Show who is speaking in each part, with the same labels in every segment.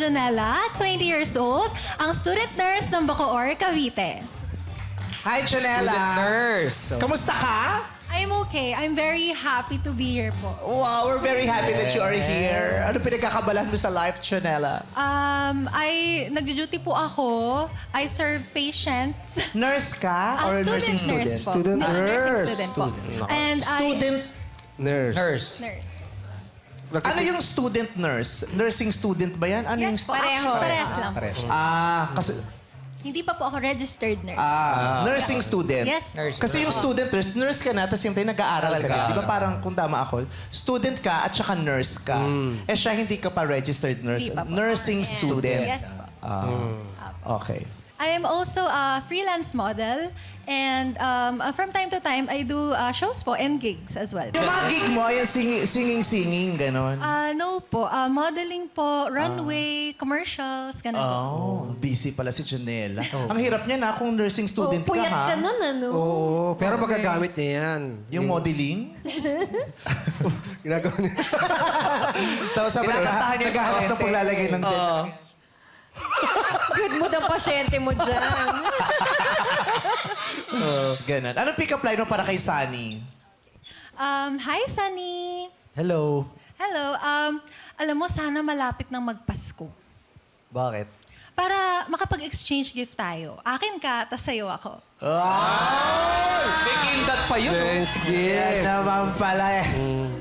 Speaker 1: Junella, 20 years old, ang student nurse ng Bacoor, Cavite.
Speaker 2: Hi, Janela.
Speaker 3: Nurse.
Speaker 2: Kamusta ka?
Speaker 1: I'm okay. I'm very happy to be here po.
Speaker 2: Wow, we're very happy that you are here. Ano pinagkakabalan mo sa life, Janela?
Speaker 1: Nagjo-duty po ako. I serve patients.
Speaker 2: Nurse ka? Or nursing student?
Speaker 1: Nurse po.
Speaker 4: Student
Speaker 1: Nursing
Speaker 4: nurse.
Speaker 1: student po. And
Speaker 2: Student
Speaker 4: Nurse.
Speaker 3: Nurse.
Speaker 1: nurse.
Speaker 2: Ano yung student nurse? Nursing student ba yan? Ano yung
Speaker 1: Yes po. Parehas lang.
Speaker 2: kasi
Speaker 1: Hindi pa po ako registered nurse.
Speaker 2: nursing student.
Speaker 1: Yes.
Speaker 3: Nurse.
Speaker 2: Kasi yung student nurse ka na, tapos yung tayo nag-aaral ka na. Di ba parang kung tama ako, student ka at saka nurse ka. Eh siya hindi ka pa registered nurse.
Speaker 1: Hindi pa po.
Speaker 2: Nursing student.
Speaker 1: Yes po.
Speaker 2: Okay.
Speaker 1: I am also a freelance model and from time to time I do shows po and gigs as well.
Speaker 2: Yung mga gig mo, yung singing, ganon.
Speaker 1: No po, modeling po, runway, commercials, ganun po.
Speaker 2: Oh, busy pala si Janela. Ang hirap niya na kung nursing student ka,
Speaker 5: Puyat
Speaker 2: ha?
Speaker 5: ka nun, ano?
Speaker 4: Oo, pero magagamit niya yan.
Speaker 2: Yung modeling?
Speaker 4: Ginagawa niya.
Speaker 2: Tapos sabi na,
Speaker 3: Tinakantahan niya yung
Speaker 2: naghahanap ng
Speaker 3: pasyente.
Speaker 2: paglalagay ng
Speaker 5: Good mood ang pasyente mo dyan.
Speaker 2: ganon. Anong pick-up line mo para kay Sunny?
Speaker 1: Hi, Sunny!
Speaker 2: Hello.
Speaker 1: Hello. Alam mo, sana malapit ng magpasko.
Speaker 2: Bakit?
Speaker 1: Para makapag-exchange gift tayo. Akin ka, tas sa'yo ako.
Speaker 3: May kindat pa yun.
Speaker 4: Thanks,
Speaker 2: Yan
Speaker 4: gift.
Speaker 2: naman pala eh.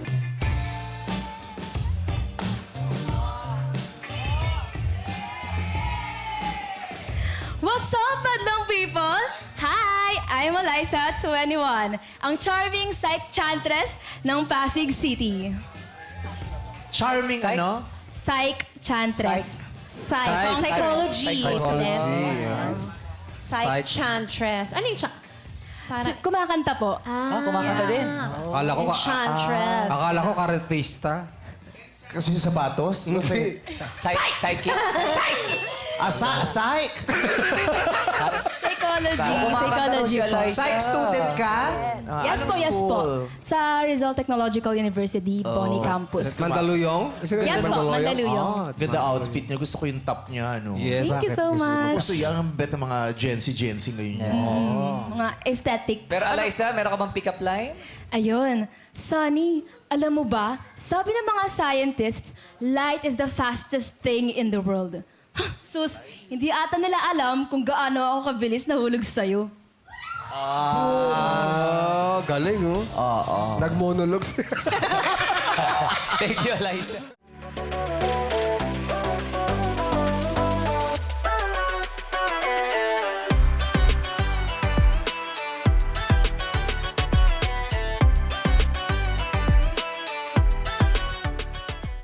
Speaker 6: What's up, madlang people? Hi! I'm Eliza, 21, ang charming psych chantress ng Pasig City.
Speaker 2: Charming
Speaker 3: Psych?
Speaker 2: ano?
Speaker 6: Psych chantress.
Speaker 5: Psychology.
Speaker 4: Psych.
Speaker 5: Psychantress. Ano yung
Speaker 6: Kumakanta po.
Speaker 3: Kumakanta din.
Speaker 4: Akala ko,
Speaker 5: Enchantress.
Speaker 4: akala ko karatista.
Speaker 2: Kasi yung sapatos?
Speaker 4: Hindi.
Speaker 3: Psychic.
Speaker 2: Psych!
Speaker 6: Psychology po.
Speaker 2: Psych student ka?
Speaker 6: Yes
Speaker 2: Anong
Speaker 6: po, yes po.
Speaker 2: school?
Speaker 6: Sa Rizal Technological University, Boni Campus.
Speaker 4: Mandaluyong?
Speaker 6: Yes po, Mandaluyong.
Speaker 2: Ganda outfit niya. Gusto ko yung top niya, ano?
Speaker 4: Yeah,
Speaker 6: Thank you
Speaker 4: bakit?
Speaker 6: so much.
Speaker 2: Gusto yan ang bet ng mga Gen Z ngayon.
Speaker 6: Mga aesthetic.
Speaker 3: Pero Eliza, meron ka bang pick-up line?
Speaker 6: Ayun. Sunny, alam mo ba, sabi ng mga scientists, light is the fastest thing in the world. Sus, hindi ata nila alam kung gaano ako kabilis nahulog sa'yo.
Speaker 4: Galing, oh.
Speaker 2: Oo.
Speaker 4: Nag-monologue.
Speaker 3: Thank you, Eliza.